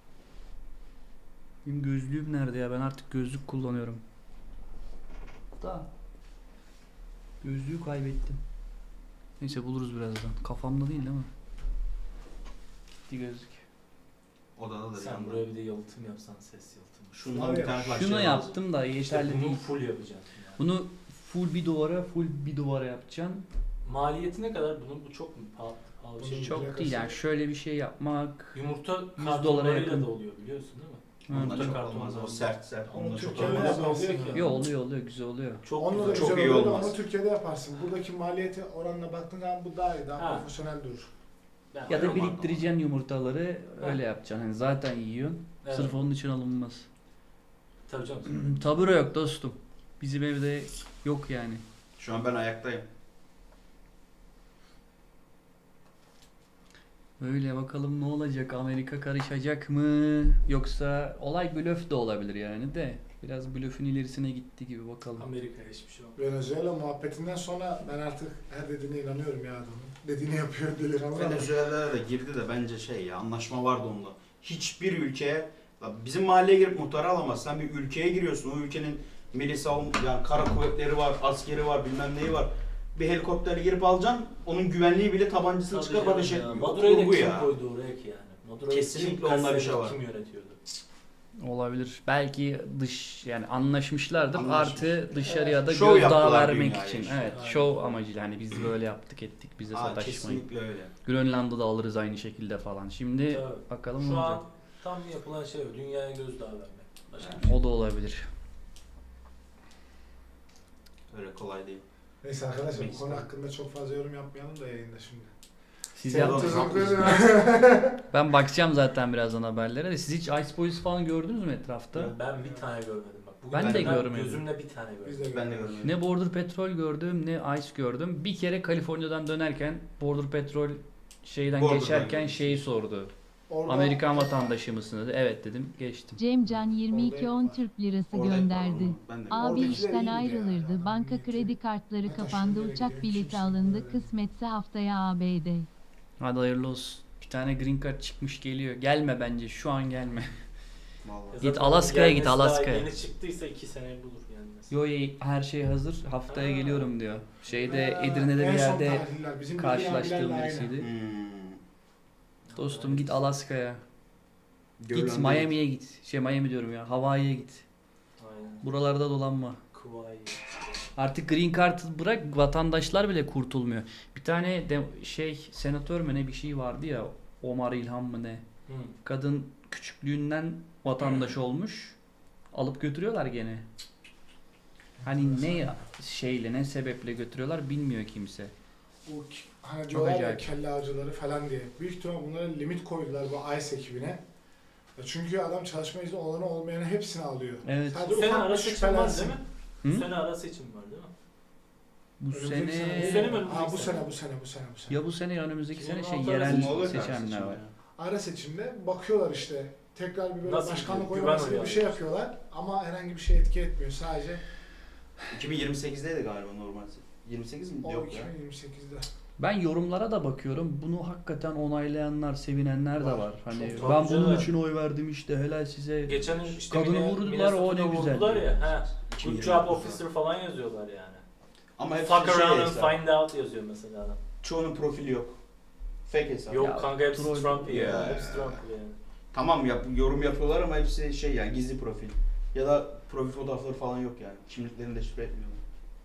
[SPEAKER 1] Benim gözlüğüm nerede ya? Ben artık gözlük kullanıyorum. Da. Gözlüğü kaybettim. Neyse buluruz birazdan. Kafamda değil değil mi? Gitti gözlük.
[SPEAKER 4] Odada da
[SPEAKER 2] Sen
[SPEAKER 4] yanında.
[SPEAKER 2] buraya bir de yalıtım yapsan ses yalıtımı.
[SPEAKER 4] Şundan bir tane parça
[SPEAKER 1] Şunu
[SPEAKER 4] lazım.
[SPEAKER 1] yaptım da yeterli
[SPEAKER 2] İşte bunu
[SPEAKER 1] değil.
[SPEAKER 2] full yapacaksın. Yani.
[SPEAKER 1] Bunu full bir duvara, full bir duvara yapacaksın.
[SPEAKER 2] Maliyeti ne kadar bunun? Bu çok mu pahalı, pahalı bir şey?
[SPEAKER 5] Bunun
[SPEAKER 2] Çok.
[SPEAKER 1] Çok değil yani şöyle bir şey yapmak.
[SPEAKER 2] Yumurta
[SPEAKER 1] yüz dolara
[SPEAKER 2] kartonlarıyla
[SPEAKER 1] yakın.
[SPEAKER 2] da oluyor biliyorsun değil mi?
[SPEAKER 1] Hı.
[SPEAKER 4] Onlar çok
[SPEAKER 2] Karton
[SPEAKER 4] olmaz. O
[SPEAKER 2] var.
[SPEAKER 4] sert sert.
[SPEAKER 5] Onu
[SPEAKER 4] Onlar çok
[SPEAKER 5] Türkiye'de
[SPEAKER 4] olmaz.
[SPEAKER 5] yapmaz
[SPEAKER 2] Olmaz
[SPEAKER 5] ki.
[SPEAKER 2] ki.
[SPEAKER 1] Yo oluyor oluyor güzel oluyor.
[SPEAKER 2] Çok
[SPEAKER 5] Onunla da
[SPEAKER 2] güzel.
[SPEAKER 4] Çok
[SPEAKER 5] güzel
[SPEAKER 4] iyi
[SPEAKER 5] oluyor
[SPEAKER 4] olmaz.
[SPEAKER 5] ama Türkiye'de yaparsın. Buradaki maliyeti oranla baktığın zaman bu daha iyi, daha
[SPEAKER 2] Ha.
[SPEAKER 5] profesyonel durur.
[SPEAKER 2] Ben
[SPEAKER 1] Ya da
[SPEAKER 2] yapamam.
[SPEAKER 1] biriktireceksin yumurtaları öyle yapacaksın. Hani zaten yiyorsun.
[SPEAKER 2] Evet.
[SPEAKER 1] Sırf onun için alınmaz.
[SPEAKER 2] Tabii canım.
[SPEAKER 1] Tabure yok dostum. Bizim evde yok yani.
[SPEAKER 4] Şu an ben ayaktayım.
[SPEAKER 1] Böyle bakalım ne olacak? Amerika karışacak mı? Yoksa olay blöf de olabilir yani de. Biraz blöfün ilerisine gitti gibi bakalım.
[SPEAKER 2] Amerika'ya hiçbir şey olmaz.
[SPEAKER 5] Venezuela muhabbetinden sonra ben artık her dediğine inanıyorum ya adamın. Dediğini yapıyor delikanlı ama.
[SPEAKER 4] Venezuela'da da girdi de bence şey ya, anlaşma vardı onunla. Hiçbir ülkeye, la bizim mahalleye girip muhtarı alamazsın. Sen bir ülkeye giriyorsun. O ülkenin milli savunma, yani kara kuvvetleri var, askeri var, bilmem neyi var. Bir helikopterle girip alacaksın. Onun güvenliği bile tabancasını
[SPEAKER 2] Tabii
[SPEAKER 4] çıkarıp
[SPEAKER 2] canım
[SPEAKER 4] ateş
[SPEAKER 2] ya.
[SPEAKER 4] etmiyor.
[SPEAKER 2] Madura'yı da
[SPEAKER 4] Kurgu
[SPEAKER 2] kim
[SPEAKER 4] ya.
[SPEAKER 2] koydu oraya ki yani? Madura'yı
[SPEAKER 4] Kesinlikle
[SPEAKER 2] kim,
[SPEAKER 4] onda bir
[SPEAKER 2] kaç
[SPEAKER 4] şey
[SPEAKER 2] senedir
[SPEAKER 4] var.
[SPEAKER 2] Kim yönetiyordu?
[SPEAKER 1] Olabilir. Belki dış yani anlaşmışlardır.
[SPEAKER 4] Anlaşmış.
[SPEAKER 1] Artı dışarıya da
[SPEAKER 4] Şov
[SPEAKER 1] gözdağı
[SPEAKER 4] yaptılar
[SPEAKER 1] vermek
[SPEAKER 4] dünyaya
[SPEAKER 1] için.
[SPEAKER 4] işte.
[SPEAKER 1] Evet,
[SPEAKER 2] Aynen.
[SPEAKER 1] şov amacıyla hani biz böyle yaptık ettik bize
[SPEAKER 4] Aa,
[SPEAKER 1] sataşmayın.
[SPEAKER 4] kesinlikle öyle.
[SPEAKER 1] Grönland'ı da alırız aynı şekilde falan. Şimdi
[SPEAKER 2] Tabii.
[SPEAKER 1] bakalım ne
[SPEAKER 2] Şu
[SPEAKER 1] olacak.
[SPEAKER 2] an tam yapılan şey o. Dünyaya gözdağı vermek. Başka bir şey.
[SPEAKER 1] O da olabilir.
[SPEAKER 4] Öyle kolay değil.
[SPEAKER 5] Neyse arkadaşlar bu
[SPEAKER 2] Neyse.
[SPEAKER 5] konu hakkında çok fazla yorum yapmayalım da yayında şimdi.
[SPEAKER 1] Siz
[SPEAKER 4] Sen
[SPEAKER 1] yap-
[SPEAKER 4] o-
[SPEAKER 1] Ben bakacağım zaten birazdan haberlere de. Siz hiç Ice Boys falan gördünüz mü etrafta?
[SPEAKER 2] Ben bir tane görmedim bak. Bugün
[SPEAKER 1] Ben
[SPEAKER 4] de
[SPEAKER 1] görmedim.
[SPEAKER 2] Gözümle bir tane gördüm.
[SPEAKER 5] Biz de
[SPEAKER 4] Ben de görmedim.
[SPEAKER 1] Ne Border Petrol gördüm ne Ice gördüm. Bir kere Kaliforniya'dan dönerken Border Petrol şeyden
[SPEAKER 4] Border'dan
[SPEAKER 1] geçerken
[SPEAKER 4] geçmiş.
[SPEAKER 1] şeyi sordu.
[SPEAKER 5] Orada-
[SPEAKER 1] Amerikan vatandaşı mısınız? Evet dedim, geçtim.
[SPEAKER 6] Cemcan yirmi iki on Türk lirası
[SPEAKER 4] Orada-
[SPEAKER 6] gönderdi.
[SPEAKER 4] Ben de
[SPEAKER 6] Abi
[SPEAKER 5] Oradakiler
[SPEAKER 6] işten
[SPEAKER 5] iyiydi ya.
[SPEAKER 6] ayrılırdı, banka
[SPEAKER 5] Iyiydi.
[SPEAKER 6] kredi kartları
[SPEAKER 5] Hatta
[SPEAKER 6] kapandı,
[SPEAKER 5] şunlara
[SPEAKER 6] uçak
[SPEAKER 5] gidelim,
[SPEAKER 6] bileti
[SPEAKER 5] kimse
[SPEAKER 6] alındı,
[SPEAKER 5] bilmiyor.
[SPEAKER 6] kısmetse haftaya A B D.
[SPEAKER 1] Hadi hayırlı olsun. Bir tane green card çıkmış geliyor. Gelme bence, şu an gelme.
[SPEAKER 4] Vallahi.
[SPEAKER 2] Ya
[SPEAKER 1] Git
[SPEAKER 2] zaten
[SPEAKER 1] Alaska'ya git,
[SPEAKER 2] gelmesi daha
[SPEAKER 1] Alaska'ya.
[SPEAKER 2] Yeni çıktıysa iki sene bulur gelmesi.
[SPEAKER 1] Yo yo, her şey hazır. Haftaya
[SPEAKER 2] Ha.
[SPEAKER 1] geliyorum diyor. Şeyde
[SPEAKER 5] Ha,
[SPEAKER 1] Edirne'de
[SPEAKER 5] en
[SPEAKER 1] bir
[SPEAKER 5] son
[SPEAKER 1] yerde
[SPEAKER 5] tarihler, bizim
[SPEAKER 1] karşılaştığım
[SPEAKER 5] bildiğin abilerle
[SPEAKER 1] birisiydi.
[SPEAKER 4] Hmm.
[SPEAKER 1] Dostum git Alaska'ya. Git
[SPEAKER 4] Görülen
[SPEAKER 1] Miami'ye git. Şey Miami diyorum ya. Hawaii'ye git.
[SPEAKER 2] Aynen.
[SPEAKER 1] Buralarda dolanma.
[SPEAKER 2] Kuvayi.
[SPEAKER 1] Artık green card bırak vatandaşlar bile kurtulmuyor. Bir tane de şey senatör mü ne bir şey vardı ya. Omar İlhan mı ne?
[SPEAKER 2] Hı.
[SPEAKER 1] Kadın küçüklüğünden vatandaş olmuş. Alıp götürüyorlar gene. Hani ne şeyle ne sebeple götürüyorlar bilmiyor kimse.
[SPEAKER 5] Bu k- hani
[SPEAKER 1] Çok
[SPEAKER 5] diyorlar ya
[SPEAKER 1] acayip.
[SPEAKER 5] kelle avcıları falan diye. Büyük ihtimal bunlara limit koydular bu ICE ekibine. Ya çünkü adam çalışma izni olanı olmayanı hepsini alıyor.
[SPEAKER 1] Evet.
[SPEAKER 5] Sadece
[SPEAKER 2] Bu sene
[SPEAKER 5] ufak
[SPEAKER 2] ara
[SPEAKER 5] bir
[SPEAKER 2] seçim var
[SPEAKER 5] şüphelensin.
[SPEAKER 2] değil mi?
[SPEAKER 1] Hı?
[SPEAKER 2] Bu sene ara seçim var değil mi?
[SPEAKER 1] Bu
[SPEAKER 5] Önümüzdeki
[SPEAKER 1] sene,
[SPEAKER 2] Bu sene mi önümüzdeki
[SPEAKER 5] Aa, bu
[SPEAKER 2] sene?
[SPEAKER 5] sene bu sene bu sene bu sene.
[SPEAKER 1] ya bu sene ya önümüzdeki sene şey
[SPEAKER 2] iki bin on altı
[SPEAKER 1] yerel
[SPEAKER 4] arası mı olur
[SPEAKER 1] seçimler
[SPEAKER 4] seçimler?
[SPEAKER 1] var.
[SPEAKER 5] Ara seçimde bakıyorlar işte. Tekrar bir böyle
[SPEAKER 2] Nasıl
[SPEAKER 5] başkanlık
[SPEAKER 2] gidiyor?
[SPEAKER 5] oylaması
[SPEAKER 2] Güven
[SPEAKER 5] gibi bir
[SPEAKER 2] oyu
[SPEAKER 5] şey
[SPEAKER 2] alıyorsun.
[SPEAKER 5] yapıyorlar ama herhangi bir şey etki etmiyor. Sadece
[SPEAKER 4] iki bin yirmi sekizdeydi galiba normal. yirmi sekiz mi?
[SPEAKER 5] o
[SPEAKER 4] Yok ya.
[SPEAKER 5] iki bin yirmi sekizde.
[SPEAKER 1] Ben yorumlara da bakıyorum. Bunu hakikaten onaylayanlar, sevinenler de
[SPEAKER 5] Var.
[SPEAKER 1] var. Hani
[SPEAKER 2] Çok
[SPEAKER 1] ben
[SPEAKER 2] tabii
[SPEAKER 1] bunun
[SPEAKER 2] canım.
[SPEAKER 1] için oy verdim işte helal size.
[SPEAKER 2] Geçen işte
[SPEAKER 1] Kadını
[SPEAKER 2] Mine-
[SPEAKER 1] vurdular, o ne
[SPEAKER 2] Minnesota'da
[SPEAKER 1] güzel.
[SPEAKER 2] vurdular ya. He.
[SPEAKER 4] iki bin
[SPEAKER 2] Good
[SPEAKER 4] yirmi
[SPEAKER 2] job
[SPEAKER 4] dokuzda.
[SPEAKER 2] officer falan yazıyorlar yani.
[SPEAKER 4] Ama hepsi
[SPEAKER 2] Fuck
[SPEAKER 4] şey
[SPEAKER 2] around and
[SPEAKER 4] hesap.
[SPEAKER 2] find out yazıyor mesela adam.
[SPEAKER 4] Çoğunun profili yok. Fake hesap.
[SPEAKER 2] Yok
[SPEAKER 1] Ya,
[SPEAKER 2] kanka hepsi
[SPEAKER 1] troll-
[SPEAKER 2] Trump ya.
[SPEAKER 4] Ya.
[SPEAKER 2] Hepsi Trump yani.
[SPEAKER 4] Tamam yap, yorum yapıyorlar ama hepsi şey yani gizli profil. Ya da profil fotoğrafları falan yok yani. Kimliklerini de şifre etmiyorlar.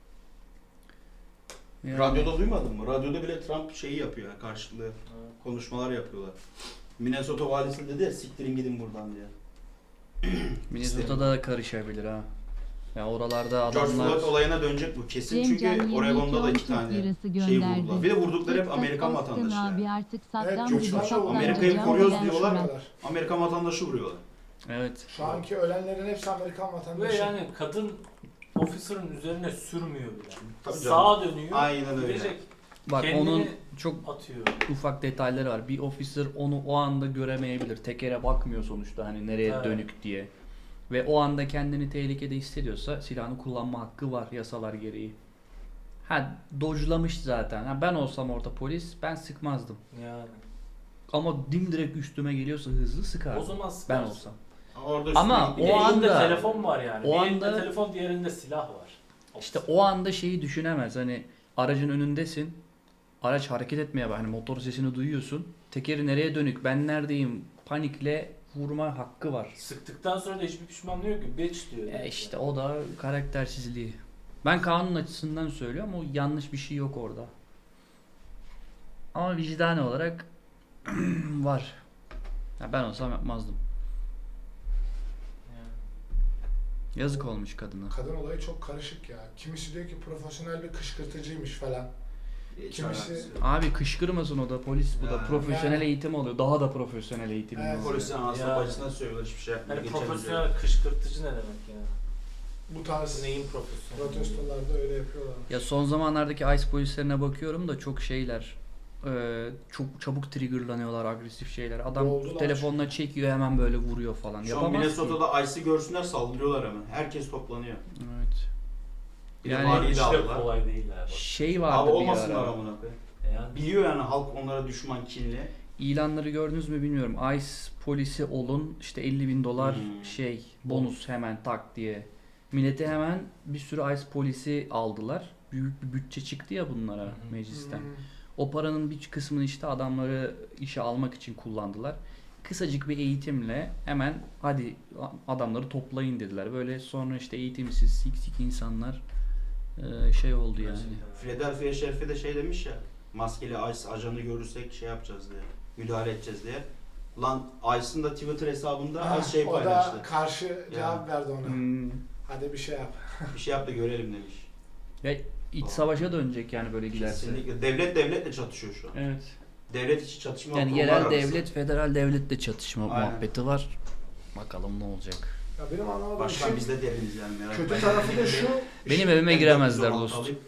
[SPEAKER 1] Yani
[SPEAKER 4] Radyoda duymadın mı? Radyoda bile Trump şeyi yapıyor yani karşılığı
[SPEAKER 2] Ha.
[SPEAKER 4] konuşmalar yapıyorlar. Minnesota valisi dedi ya siktirin gidin buradan diye.
[SPEAKER 1] Minnesota'da da karışabilir ha. Ya oralarda
[SPEAKER 4] George
[SPEAKER 1] adamlar
[SPEAKER 4] Floyd olayına dönecek bu kesin çünkü
[SPEAKER 6] Cem Can
[SPEAKER 4] Oregon'da da iki
[SPEAKER 6] Türk
[SPEAKER 4] tane
[SPEAKER 6] lirası
[SPEAKER 4] şey
[SPEAKER 6] gönderdi.
[SPEAKER 4] vurdular. Bir de vurdukları hep
[SPEAKER 6] Texas
[SPEAKER 4] Amerikan
[SPEAKER 6] Austin
[SPEAKER 4] vatandaşı
[SPEAKER 6] abi
[SPEAKER 4] yani.
[SPEAKER 6] artık
[SPEAKER 5] Evet,
[SPEAKER 6] Saddam
[SPEAKER 5] çok
[SPEAKER 6] gibi
[SPEAKER 5] fazla
[SPEAKER 6] şoklandı.
[SPEAKER 4] Amerika'yı
[SPEAKER 6] Can
[SPEAKER 4] koruyoruz
[SPEAKER 6] Bilen
[SPEAKER 4] diyorlar.
[SPEAKER 6] Şurat.
[SPEAKER 4] Amerikan vatandaşı vuruyorlar.
[SPEAKER 1] evet.
[SPEAKER 5] Şu anki ölenlerin hepsi Amerikan
[SPEAKER 2] Ve
[SPEAKER 5] vatandaşı.
[SPEAKER 2] yani kadın officer'ın üzerine sürmüyor bile.
[SPEAKER 4] Tabii canım.
[SPEAKER 2] Sağa dönüyor.
[SPEAKER 4] Aynen öyle.
[SPEAKER 2] Direkt
[SPEAKER 1] Bak
[SPEAKER 2] kendini
[SPEAKER 1] onun çok
[SPEAKER 2] atıyor.
[SPEAKER 1] ufak detayları var. Bir officer onu o anda göremeyebilir. Tekere bakmıyor sonuçta hani nereye
[SPEAKER 2] Evet.
[SPEAKER 1] dönük diye. Ve o anda kendini tehlikede hissediyorsa silahını kullanma hakkı var yasalar gereği. Ha dojlamış zaten. Ha, ben olsam orada polis ben sıkmazdım.
[SPEAKER 2] Yani.
[SPEAKER 1] Ama dimdirek üstüme geliyorsa hızlı sıkardım.
[SPEAKER 2] O zaman
[SPEAKER 1] Ben
[SPEAKER 2] sıkarsın.
[SPEAKER 1] olsam.
[SPEAKER 4] Orada
[SPEAKER 1] Ama
[SPEAKER 4] üstüne
[SPEAKER 2] Bir
[SPEAKER 1] o
[SPEAKER 2] de elinde
[SPEAKER 1] anda-
[SPEAKER 2] telefon var yani.
[SPEAKER 1] o
[SPEAKER 2] bir elinde
[SPEAKER 1] anda-
[SPEAKER 2] telefon diğerinde silah var.
[SPEAKER 1] İşte o anda şeyi düşünemez. Hani aracın önündesin. Araç hareket etmeye bak. Hani motor sesini duyuyorsun. Tekeri nereye dönük? Ben neredeyim? Panikle vurma hakkı var.
[SPEAKER 2] Sıktıktan sonra da hiçbir pişmanlığı yok ki. Bitch diyor.
[SPEAKER 1] E işte o da karaktersizliği. Ben kanun açısından söylüyorum. O yanlış bir şey yok orada. Ama vicdani olarak var. Ya ben olsam yapmazdım.
[SPEAKER 2] Yani.
[SPEAKER 1] Yazık olmuş kadına.
[SPEAKER 5] Kadın olayı çok karışık ya. Kimisi diyor ki profesyonel bir kışkırtıcıymış falan.
[SPEAKER 4] Hiç
[SPEAKER 5] Kimisi-
[SPEAKER 4] alakası yok.
[SPEAKER 1] Abi kışkırmasın o da polis bu da
[SPEAKER 4] Ya.
[SPEAKER 1] profesyonel
[SPEAKER 5] Yani-
[SPEAKER 1] eğitim alıyor. Daha da profesyonel eğitim
[SPEAKER 5] Evet.
[SPEAKER 1] alıyor.
[SPEAKER 4] Polisin anasına
[SPEAKER 2] Ya.
[SPEAKER 4] bacısına söylüyorlar hiçbir şey yapmıyor.
[SPEAKER 2] Hani
[SPEAKER 4] geçemeyecek.
[SPEAKER 2] profesyonel kışkırtıcı ne demek yani?
[SPEAKER 5] Bu tarz
[SPEAKER 2] Neyin profesyonel?
[SPEAKER 5] protestolarda öyle yapıyorlar.
[SPEAKER 1] Ya son zamanlardaki ICE polislerine bakıyorum da çok şeyler. e, çok çabuk triggerlanıyorlar, agresif şeyler. Adam
[SPEAKER 5] Oldular
[SPEAKER 1] telefonla çekiyor hemen böyle vuruyor falan.
[SPEAKER 4] Şu an
[SPEAKER 1] Yapamaz ki.
[SPEAKER 4] Minnesota'da Ice'i görsünler saldırıyorlar hemen. Herkes toplanıyor.
[SPEAKER 1] Evet.
[SPEAKER 4] Bir de
[SPEAKER 1] Yani-
[SPEAKER 4] valiyi de
[SPEAKER 2] Hiç de
[SPEAKER 4] aldılar.
[SPEAKER 2] kolay değil ha. bak.
[SPEAKER 1] Şey vardı
[SPEAKER 4] Abi
[SPEAKER 1] bir
[SPEAKER 4] olmasınlar
[SPEAKER 1] ara.
[SPEAKER 4] amına koyayım.
[SPEAKER 2] Yani
[SPEAKER 4] Biliyor yani halk onlara düşman kinli.
[SPEAKER 1] İlanları gördünüz mü bilmiyorum. ICE polisi olun işte elli bin dolar
[SPEAKER 4] Hmm.
[SPEAKER 1] şey bonus hemen tak diye. Millete hemen bir sürü ICE polisi aldılar. Büyük bir bütçe çıktı ya bunlara
[SPEAKER 2] Hı hı.
[SPEAKER 1] meclisten.
[SPEAKER 5] Hmm.
[SPEAKER 1] O paranın bir kısmını işte adamları işe almak için kullandılar. Kısacık bir eğitimle hemen hadi adamları toplayın dediler. Böyle sonra işte eğitimsiz siksik insanlar e, şey oldu yani.
[SPEAKER 4] Philadelphia şerifi de şey demiş ya. Maskeli Ice ajanı görürsek şey yapacağız diye. Müdahale edeceğiz diye. Lan Ice'ın da Twitter hesabında
[SPEAKER 5] Ha,
[SPEAKER 4] az şey
[SPEAKER 5] o
[SPEAKER 4] paylaştı.
[SPEAKER 5] da karşı cevap verdi ona.
[SPEAKER 1] Hmm.
[SPEAKER 5] Hadi bir şey yap.
[SPEAKER 4] Bir şey yap da görelim demiş.
[SPEAKER 1] Ve iç savaşa dönecek yani böyle giderse.
[SPEAKER 4] Kesinlikle. Devlet devletle çatışıyor şu an.
[SPEAKER 1] Evet.
[SPEAKER 4] Devlet içi çatışma
[SPEAKER 1] Yani
[SPEAKER 4] kurumlar
[SPEAKER 1] yerel
[SPEAKER 4] arası.
[SPEAKER 1] devlet, federal devletle çatışma
[SPEAKER 4] Aynen.
[SPEAKER 1] muhabbeti var. Bakalım ne olacak.
[SPEAKER 5] Ya benim anlamadığım
[SPEAKER 4] Başkan
[SPEAKER 5] şey
[SPEAKER 4] biz de deriniz yani merak
[SPEAKER 5] kötü
[SPEAKER 4] etmeyin.
[SPEAKER 5] tarafı da şu.
[SPEAKER 1] Benim
[SPEAKER 5] işin-
[SPEAKER 1] evime
[SPEAKER 4] Ben
[SPEAKER 1] giremezler
[SPEAKER 4] dört yüz on altı
[SPEAKER 1] dost.
[SPEAKER 4] alayım.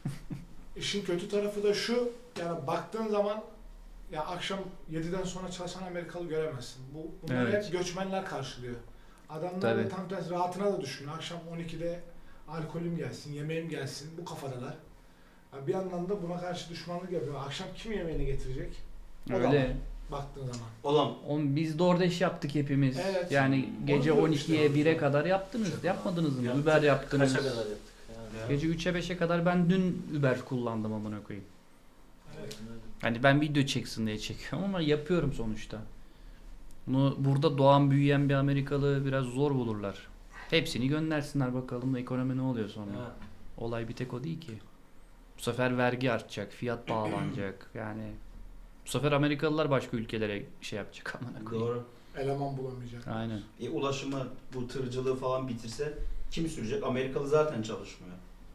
[SPEAKER 5] İşin kötü tarafı da şu. Yani baktığın zaman ya akşam yediden sonra çalışan Amerikalı göremezsin. Bu bunları
[SPEAKER 1] Evet.
[SPEAKER 5] hep göçmenler karşılıyor. Adamlar
[SPEAKER 1] Tabii.
[SPEAKER 5] da tam tersi rahatına da düşünüyor. Akşam on ikide alkolüm gelsin, yemeğim gelsin. Bu kafadalar. Ya bir yandan da buna karşı düşmanlık yapıyor. Akşam kim yemeğini getirecek? O da var,
[SPEAKER 1] Öyle.
[SPEAKER 5] baktığın zaman.
[SPEAKER 4] Ulan
[SPEAKER 1] On, biz DoorDash yaptık hepimiz.
[SPEAKER 5] Evet.
[SPEAKER 1] Yani
[SPEAKER 5] Onu
[SPEAKER 1] gece
[SPEAKER 5] diyorum
[SPEAKER 1] on ikiye
[SPEAKER 5] işte.
[SPEAKER 1] bire kadar yaptınız.
[SPEAKER 5] Çok
[SPEAKER 1] Yapmadınız mı?
[SPEAKER 2] Yaptık.
[SPEAKER 1] Uber yaptınız.
[SPEAKER 2] Kaça kadar yaptık? Yani.
[SPEAKER 1] Gece üçe beşe kadar ben dün Uber kullandım amına koyayım.
[SPEAKER 5] Evet.
[SPEAKER 1] Hani ben video çeksin diye çekiyorum ama yapıyorum sonuçta. Bunu burada doğan büyüyen bir Amerikalı biraz zor bulurlar. Hepsini göndersinler bakalım ekonomi ne oluyor sonra.
[SPEAKER 2] Ha.
[SPEAKER 1] Olay bir tek o değil ki. Bu sefer vergi artacak, fiyat bağlanacak. Yani bu sefer Amerikalılar başka ülkelere şey yapacak amına koyayım.
[SPEAKER 4] Doğru.
[SPEAKER 5] Eleman bulamayacak.
[SPEAKER 1] Aynen.
[SPEAKER 4] E, ulaşımı, bu tırcılığı falan bitirse kim sürecek? Amerikalı zaten çalışmıyor.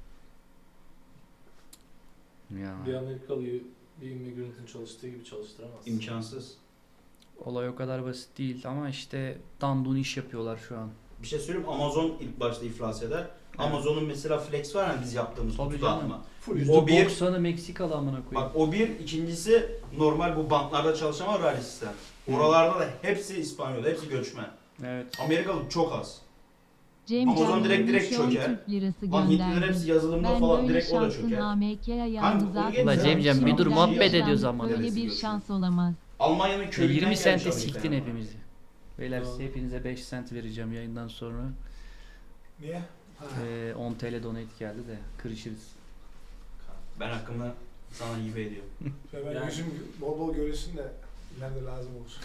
[SPEAKER 1] Ya.
[SPEAKER 2] Bir Amerikalıyı bir immigrantın çalıştığı gibi çalıştıramaz.
[SPEAKER 4] İmkansız.
[SPEAKER 1] Olay o kadar basit değil ama işte dandun iş yapıyorlar şu an.
[SPEAKER 4] Bir şey söyleyeyim, Amazon ilk başta iflas eder. Amazon'un mesela Flex var ya biz yaptığımız
[SPEAKER 1] Tabii
[SPEAKER 4] kutu
[SPEAKER 1] canım.
[SPEAKER 4] dağıtma.
[SPEAKER 5] Full
[SPEAKER 4] O bir-
[SPEAKER 1] yüzde doksanı Meksikalı amına koyayım.
[SPEAKER 4] Bak o bir, ikincisi normal bu banklarda çalışan var rally sistem. Oralarda da hepsi İspanyol, hepsi göçmen.
[SPEAKER 1] Evet.
[SPEAKER 4] Amerikalı çok az.
[SPEAKER 6] Cem
[SPEAKER 4] Amazon
[SPEAKER 6] Can
[SPEAKER 4] direkt- direkt
[SPEAKER 6] yirmi on
[SPEAKER 4] çöker.
[SPEAKER 6] Türk lirası
[SPEAKER 4] Lan Hintliler hepsi
[SPEAKER 6] gönderdi.
[SPEAKER 4] yazılımda
[SPEAKER 6] Ben
[SPEAKER 4] falan
[SPEAKER 6] böyle
[SPEAKER 4] direkt o da
[SPEAKER 6] şansın
[SPEAKER 4] çöker.
[SPEAKER 6] A M K'ye
[SPEAKER 4] Kanka,
[SPEAKER 6] ayağını
[SPEAKER 4] onu
[SPEAKER 6] zaten...
[SPEAKER 4] geç
[SPEAKER 1] Ulan Cemcem bir dur
[SPEAKER 6] Ben
[SPEAKER 1] muhabbet
[SPEAKER 6] böyle
[SPEAKER 1] ediyoruz
[SPEAKER 6] şans-
[SPEAKER 1] ama.
[SPEAKER 6] Böyle
[SPEAKER 4] Neresi
[SPEAKER 6] bir
[SPEAKER 4] diyorsun?
[SPEAKER 6] şans olamaz.
[SPEAKER 4] Almanya'nın
[SPEAKER 1] E,
[SPEAKER 4] köyünden
[SPEAKER 1] yirmi
[SPEAKER 4] gelmiş
[SPEAKER 1] sente
[SPEAKER 4] Amerika'ya
[SPEAKER 1] siktin
[SPEAKER 4] ama.
[SPEAKER 1] hepimizi. Beyler
[SPEAKER 2] Doğru.
[SPEAKER 1] size hepinize beş sent vereceğim yayından sonra.
[SPEAKER 5] Niye? Ha.
[SPEAKER 1] Ee, on T L donate geldi de kırışırız.
[SPEAKER 4] Ben hakkımı sana hibe ediyorum.
[SPEAKER 5] Şöyle ben
[SPEAKER 2] Yani-
[SPEAKER 5] yüzüm bol bol görürsün de ileride lazım olur.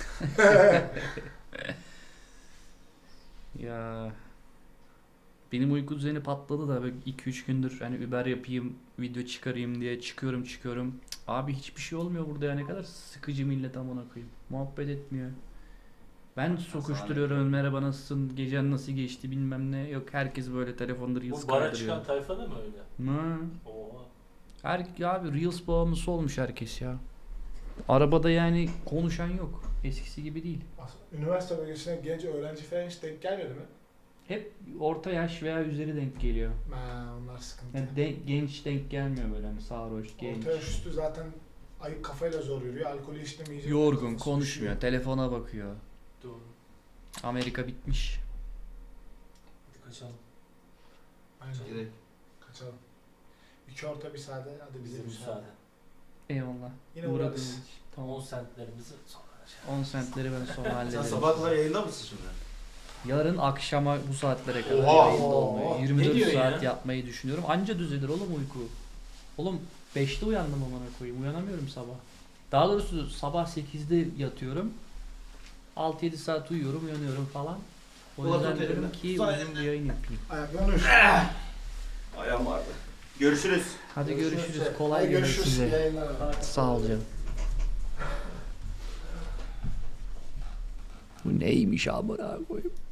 [SPEAKER 1] Ya benim uyku düzeni patladı da böyle iki üç gündür hani Uber yapayım, video çıkarayım diye çıkıyorum çıkıyorum. Cık, abi hiçbir şey olmuyor burada ya, ne kadar sıkıcı millet amına koyayım. Muhabbet etmiyor. Ben sokuşturuyorum, merhaba nasılsın, gecen nasıl geçti bilmem ne. Yok herkes böyle telefonda Reels
[SPEAKER 2] Bu bara
[SPEAKER 1] kaydırıyor.
[SPEAKER 2] çıkan tayfa da mı öyle?
[SPEAKER 1] Hı.
[SPEAKER 2] Oha.
[SPEAKER 1] Her, ya abi Reels bağımlısı olmuş herkes ya. Arabada yani konuşan yok. Eskisi gibi değil.
[SPEAKER 5] Üniversite bölgesine genç öğrenci falan hiç denk gelmedi mi?
[SPEAKER 1] Hep orta yaş veya üzeri denk geliyor.
[SPEAKER 5] Ha, onlar sıkıntı.
[SPEAKER 1] Yani de- genç denk gelmiyor böyle hani sarhoş, genç.
[SPEAKER 5] Orta yaş üstü zaten ayık kafayla zor yürüyor. Alkolü içtemeyecek.
[SPEAKER 1] Yorgun,
[SPEAKER 5] kafası
[SPEAKER 1] konuşmuyor,
[SPEAKER 5] düşüyor.
[SPEAKER 1] telefona bakıyor.
[SPEAKER 2] Doğru.
[SPEAKER 1] Amerika bitmiş.
[SPEAKER 2] Hadi kaçalım.
[SPEAKER 5] Aynen.
[SPEAKER 4] Gidelim.
[SPEAKER 5] Kaçalım. İki orta bir sade. Hadi bize
[SPEAKER 2] Bize
[SPEAKER 5] müsaade.
[SPEAKER 2] müsaade.
[SPEAKER 1] Eyvallah.
[SPEAKER 5] Yine
[SPEAKER 1] Uğradığınız
[SPEAKER 5] uğrarız.
[SPEAKER 1] için. Tamam.
[SPEAKER 2] on centlerimizi sonra şey.
[SPEAKER 1] on centleri ben sonra
[SPEAKER 4] Sen
[SPEAKER 1] hallederim.
[SPEAKER 4] sabah kadar yayında mısın şimdi?
[SPEAKER 1] Yarın akşama bu saatlere kadar
[SPEAKER 4] Oha!
[SPEAKER 1] yayında olmayı,
[SPEAKER 5] Oha!
[SPEAKER 1] yirmi dört
[SPEAKER 2] Ne diyor
[SPEAKER 1] saat
[SPEAKER 2] ya?
[SPEAKER 1] yapmayı düşünüyorum. Anca düzelir oğlum uyku. Oğlum beşte uyandım amına koyayım. Uyanamıyorum sabah. Daha doğrusu sabah sekizde yatıyorum. altı yedi saat uyuyorum, uyanıyorum falan. O
[SPEAKER 4] Ulan
[SPEAKER 1] yüzden
[SPEAKER 4] tut
[SPEAKER 1] diyorum
[SPEAKER 4] elimden.
[SPEAKER 1] ki
[SPEAKER 4] Tut
[SPEAKER 1] uzun bir yayın yapayım.
[SPEAKER 5] Ayaklarını üst.
[SPEAKER 4] Ayağım vardı. Görüşürüz.
[SPEAKER 1] Hadi görüşürüz.
[SPEAKER 5] Hadi
[SPEAKER 1] Kolay gelsin
[SPEAKER 5] görüşürüz.
[SPEAKER 1] size.
[SPEAKER 5] Yayınlar.
[SPEAKER 1] Sağ ol canım. Bu neymiş amına koyayım?